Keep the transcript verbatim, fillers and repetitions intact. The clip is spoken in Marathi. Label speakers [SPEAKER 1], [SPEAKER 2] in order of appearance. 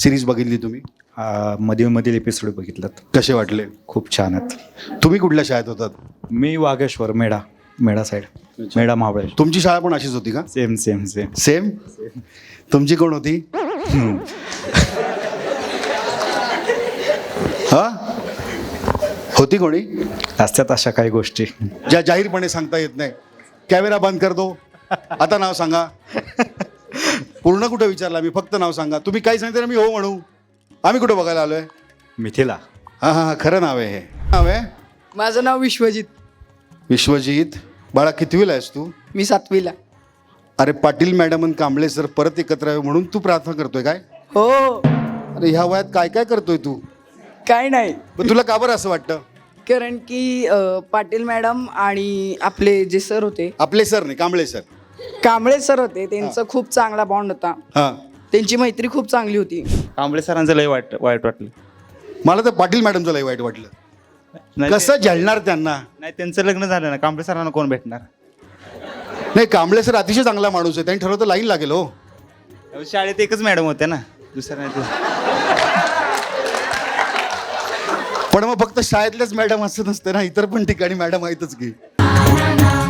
[SPEAKER 1] सिरीज बघितली तुम्ही?
[SPEAKER 2] आ, मधील मधील एपिसोड बघितलात.
[SPEAKER 1] कसे वाटले?
[SPEAKER 2] खूप छान आहेत.
[SPEAKER 1] तुम्ही कुठल्या शाळेत होतात?
[SPEAKER 2] मी वागेश्वर मेढा मेढा साईड मेढा महाबळेश्वर.
[SPEAKER 1] तुमची शाळा पण अशीच होती का?
[SPEAKER 2] Same same same.
[SPEAKER 1] सेम. तुमची कोण होती? हा, होती कोणी?
[SPEAKER 2] असतात अशा काही गोष्टी.
[SPEAKER 1] ज्या जाहीरपणे सांगता येत नाही. कॅमेरा बंद कर दो. आता नाव सांगा. पूर्ण कुठं विचारला मी, फक्त नाव सांगा. तुम्ही काही सांगता ना मी हो म्हणू. आम्ही कुठं बघायला आलोय?
[SPEAKER 2] मिथिला.
[SPEAKER 1] हां हां हां, खरं नाव आहे हे. नाव आहे
[SPEAKER 3] माझं नाव विश्वजित.
[SPEAKER 1] विश्वजित. बाळा कितवीला आहेस तू?
[SPEAKER 3] मी सातवीला.
[SPEAKER 1] अरे पाटील मॅडम आणि कांबळे सर परत एकत्र आहे म्हणून तू प्रार्थना करतोय काय?
[SPEAKER 3] हो.
[SPEAKER 1] अरे ह्या वयात काय काय करतोय तू?
[SPEAKER 3] काय नाही,
[SPEAKER 1] पण तुला का बरं असं वाटतं?
[SPEAKER 3] कारण की अ, पाटील मॅडम आणि आपले जे सर होते,
[SPEAKER 1] आपले सर नाही, कांबळे सर.
[SPEAKER 3] कांबळे सर होते, त्यांचा खूप चांगला बॉन्ड होता.
[SPEAKER 1] हां,
[SPEAKER 3] त्यांची मैत्री खूप चांगली होती.
[SPEAKER 4] कांबळे सरांचं लय वाईट वाईट वाटलं.
[SPEAKER 1] मला तर पाटील मॅडमचं लय वाईट वाटलं.
[SPEAKER 4] नाही
[SPEAKER 1] कसं झेलणार त्यांना?
[SPEAKER 4] नाही, त्यांचं लग्न झालं ना, कांबळे सरांना कोण भेटणार?
[SPEAKER 1] नाही, कांबळे सर अतिशय चांगला माणूस आहे. त्यांनी ठरवतं लाईन लागेल हो.
[SPEAKER 4] शाळेत एकच मॅडम होत्या ना, दुसऱ्या नाही ते.
[SPEAKER 1] पण मग फक्त शाळेतल्याच मॅडम असं नसते ना, इतर पण ठिकाणी मॅडम आहेतच की.